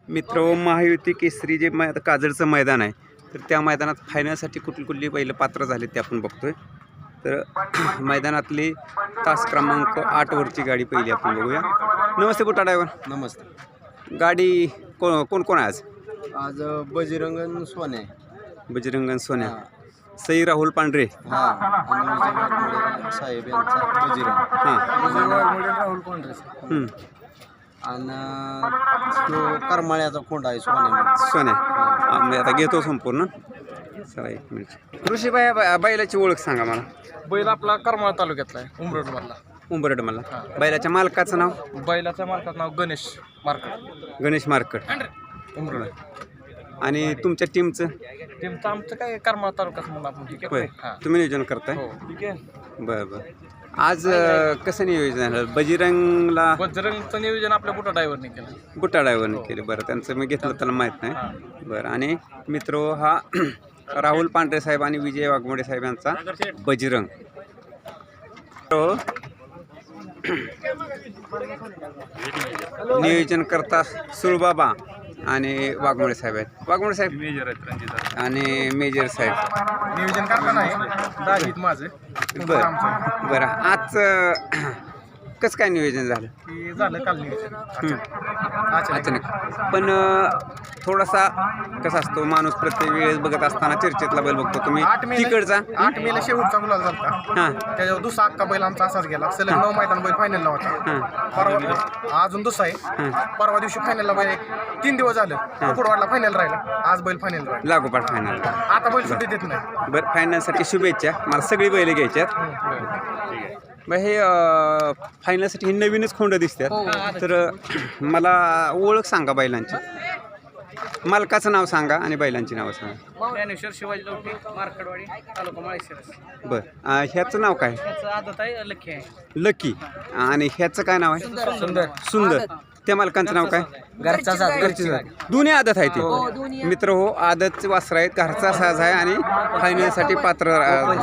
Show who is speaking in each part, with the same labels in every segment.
Speaker 1: मित्र महायुती केसरी जे काजळचं मैदान आहे तर त्या मैदानात फायनलसाठी कुठली बैल पात्र झाले ते आपण बघतोय। तर मैदानातली तास क्रमांक 8 वरची गाडी पहिली आपण बघूया। नमस्ते बुटा ड्रायव्हर।
Speaker 2: नमस्ते।
Speaker 1: गाडी कोण कोण आहे आज?
Speaker 2: आज बजरंगन सोने,
Speaker 1: बजरंगन सोन्या, सई राहुल पांढरे,
Speaker 2: हां, आणि विजय साहेब यांचा बजरंग,
Speaker 1: हां,
Speaker 2: राहुल पांढरे, आणि तो करमाळ्याचा खोंड आहे
Speaker 1: सोन्या। मी आता घेतो संपूर्ण। चला एक मिनिट। ऋषी बैलाची ओळख सांगा मला।
Speaker 3: बैल आपला करमाळा तालुक्यातला आहे, उमरड मधला।
Speaker 1: उंबरड मला। बैलाच्या मालकाचं नाव?
Speaker 3: बैलाच्या मालकाचं नाव गणेश मार्केट,
Speaker 1: गणेश मार्केट,
Speaker 3: उमरड।
Speaker 1: आणि तुमच्या टीमचं?
Speaker 3: टीमचं आमचं काय करमाळा तालुक्यात म्हणून आपण ठीक
Speaker 1: होय,
Speaker 3: आहे।
Speaker 1: तुम्ही नियोजन करताय?
Speaker 3: हो ठीक आहे।
Speaker 1: बरं बरं। आज कसं नियोजन झालं? बजरंगला
Speaker 3: बजरंगचं नियोजन आपल्या बुटा ड्रायव्हरने केलं,
Speaker 1: बुटा ड्रायव्हरने केले। बरं, त्यांचं मी घेतलं त्याला माहीत नाही। बरं, आणि मित्र हा राहुल पांढरे साहेब आणि विजय वाघमोडे साहेब यांचा बजरंग। नियोजन करता सुळबाबा आणि वाघमोडे साहेब आहेत। वाघमोडे साहेब
Speaker 3: मेजर आहेत, रणजित
Speaker 1: आणि मेजर साहेब
Speaker 3: नियोजन करताना आहे दाजीत माझं।
Speaker 1: बरं बरं। आज कसं काय नियोजन झालं?
Speaker 3: की झालं काल नियोजन
Speaker 1: अचानक, पण थोडासा कसा असतो माणूस प्रत्येक वेळेस बघत असताना चर्चेतला बैल बघतो तुम्ही तिकडचा
Speaker 3: 8 मेला शेवटचा गुलाल झाला।
Speaker 1: हां
Speaker 3: त्याच्यावर दुसरा अख्खा बैल आमचा असाच गेला, सलग 9 मैदान बैल फायनलला होता। परवा अजून दुसरा आहे, परवा दिवशी फायनलला बैल 3 दिवस झालं कुकुडवाडला फायनल राहिला, आज बैल फायनल राहिला,
Speaker 1: लागोपाठ फायनल।
Speaker 3: आता बैल सुट्टी देत नाही।
Speaker 1: बरं, फायनलसाठी शुभेच्छा। मला सगळी बैल घ्यायच्यात। बरं, हे फायनलसाठी हे नवीनच खोंड दिसतात, तर मला ओळख सांगा बैलांची, मालकाचं नाव सांगा आणि बैलांची नावं सांगा।
Speaker 3: ज्ञानेश्वर शिवाजी लवटे, मार्कडवाडी, तालुका माळशिरस।
Speaker 1: बरं, ह्याचं नाव काय?
Speaker 3: त्याचं आदत आहे लकी आहे,
Speaker 1: लकी। आणि ह्याचं काय नाव आहे?
Speaker 3: सुंदर।
Speaker 1: सुंदर। त्या मालकांचं नाव काय?
Speaker 3: घरची
Speaker 1: दोन्ही आदत आहे ते मित्र हो, आदत वासरा आहेत, घरचा साज आहे आणि फायनलसाठी पात्र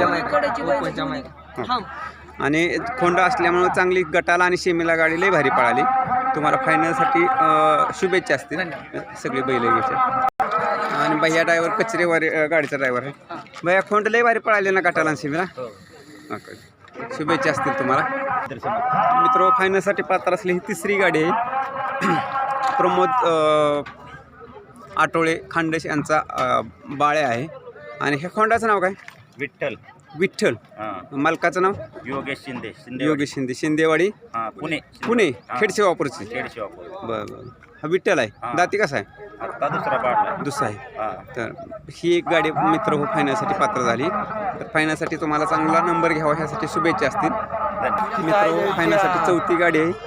Speaker 1: आणि खोंड असल्यामुळे चांगली गटाला आणि शेमीला गाडी लई भारी पळाली। तुम्हाला फायनलसाठी शुभेच्छा असतील। सगळी बैल घ्यायच्या। आणि भैया ड्रायव्हर कचरेवारी गाडीचा ड्रायव्हर आहे। भैया खोंड लई भारी पळाले ना गटाला आणि शेमीला? शुभेच्छा असतील तुम्हाला। मित्र फायनलसाठी पात्र असली ही तिसरी गाडी आहे। प्रमोद आठवळे खांडेश यांचा बाळ्या आहे। आणि ह्या खोंडाचं नाव काय?
Speaker 4: विठ्ठल।
Speaker 1: विठ्ठल। मालकाचं नाव?
Speaker 4: योगेश शिंदे।
Speaker 1: योगेश शिंदे, शिंदेवाडी,
Speaker 4: पुणे।
Speaker 1: पुणे, खेडसे वापरची।
Speaker 4: खेडशिवापूर।
Speaker 1: बरं बरं। हा विठ्ठल आहे। दाती कसा आहे?
Speaker 4: आता दुसरा पाडला,
Speaker 1: दुसरा आहे। तर ही एक गाडी मित्र हो फायनलसाठी पात्र झाली। तर फायनलसाठी तुम्हाला चांगला नंबर घ्यावा ह्यासाठी शुभेच्छा असतील। मित्र हो फायनलसाठी चौथी गाडी आहे,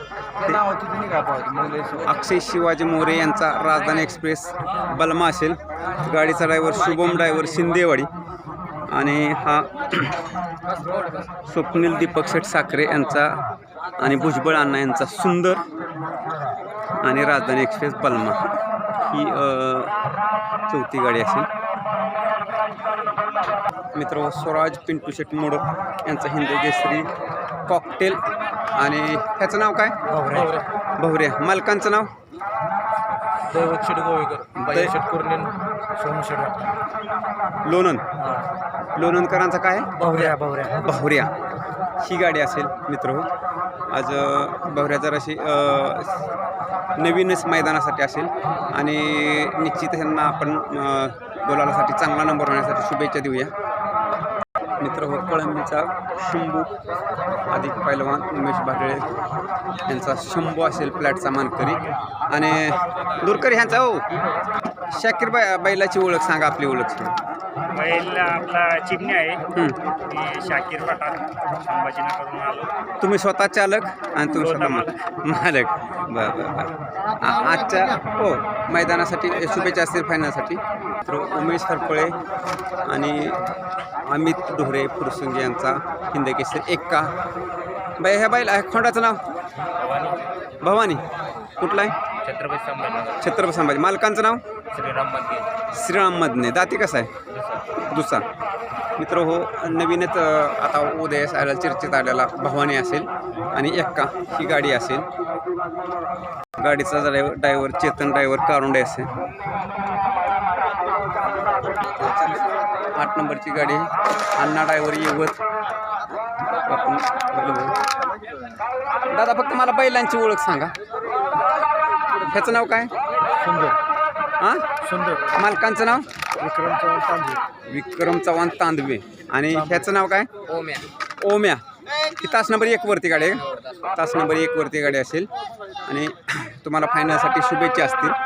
Speaker 1: अक्षय शिवाजी मोरे यांचा राजधानी एक्सप्रेस बलमा असेल। गाडीचा ड्रायव्हर शुभम ड्रायव्हर शिंदेवाडी, आणि हा स्वप्नील दीपक शेठ साखरे यांचा आणि भुजबळ अण्णा यांचा सुंदर, आणि राजधानी एक्सप्रेस बलमा ही चौथी गाडी असेल। मित्र स्वराज पिंटू शेठ मोडक यांचा हिंदी केसरी कॉकटेल, आणि ह्याचं नाव काय? भवऱ्या। मालकांचं नाव?
Speaker 3: दैवत शेठ गोवेकर, शेठ कुर्नेन, सोनू शेठ
Speaker 1: लोणंद। लोणंदकरांचा काय?
Speaker 3: भावऱ्या।
Speaker 1: ही गाडी असेल मित्र हो। आज भवऱ्या जराशी नवीनच मैदानासाठी असेल, आणि निश्चित यांना आपण गोलालासाठी चांगला नंबर होण्यासाठी शुभेच्छा देऊया। मित्र हो कळंबीचा शंभू अधिक पैलवान उमेश भाटळे यांचा शंभू असेल प्लॅटचा मानकरी, आणि दुरकरी ह्यांचा हो शाकीर बैलाची ओळख सांगा, आपली ओळख सांगा।
Speaker 4: बैल आपला चिमणी आहे, मी शाकीर पठाण, संभाजीनगरहून आलो।
Speaker 1: तुम्ही स्वतः चालक आणि तुम्ही स्वतः मालक। बरं बरं बरं। आजच्या हो मैदानासाठी शुभेच्छा असतील फायनलसाठी। तर उमेश हरपळे आणि अमित डोहरे फुरसुंगी यांचा हिंद केसरी एक्का। बाई ह्या बैल खोंडाचं नाव? भवानी। कुठला आहे?
Speaker 4: छत्रपती संभाजी।
Speaker 1: छत्रपती संभाजी। मालकांचं नाव?
Speaker 4: श्रीराम मधने।
Speaker 1: श्रीराम मधने। दाती कसा आहे? दुसरा। मित्र हो नवीनच आता उदयास आलेला चर्चेत आलेला भवानी असेल, आणि एक्का ही गाडी असेल। गाडीचा ड्रायव्हर चेतन ड्रायव्हर कारुंडे असेल. 8 नंबरची गाडी अण्णा ड्रायव्हर येवत. आपण दादा फक्त मला बैलांची ओळख सांगा. ह्याचं नाव काय?
Speaker 3: सुंदर
Speaker 1: हां
Speaker 3: सुंदर
Speaker 1: मालकांचं नाव
Speaker 3: विक्रम चव्हाण तांबे.
Speaker 1: विक्रम चव्हाण तांदवे. आणि ह्याचं नाव काय? ओम्या. ही तास नंबर 1 वरती गाडी आहे. तास नंबर 1 वरती गाडी असेल. आणि तुम्हाला फायनलसाठी शुभेच्छा असतील.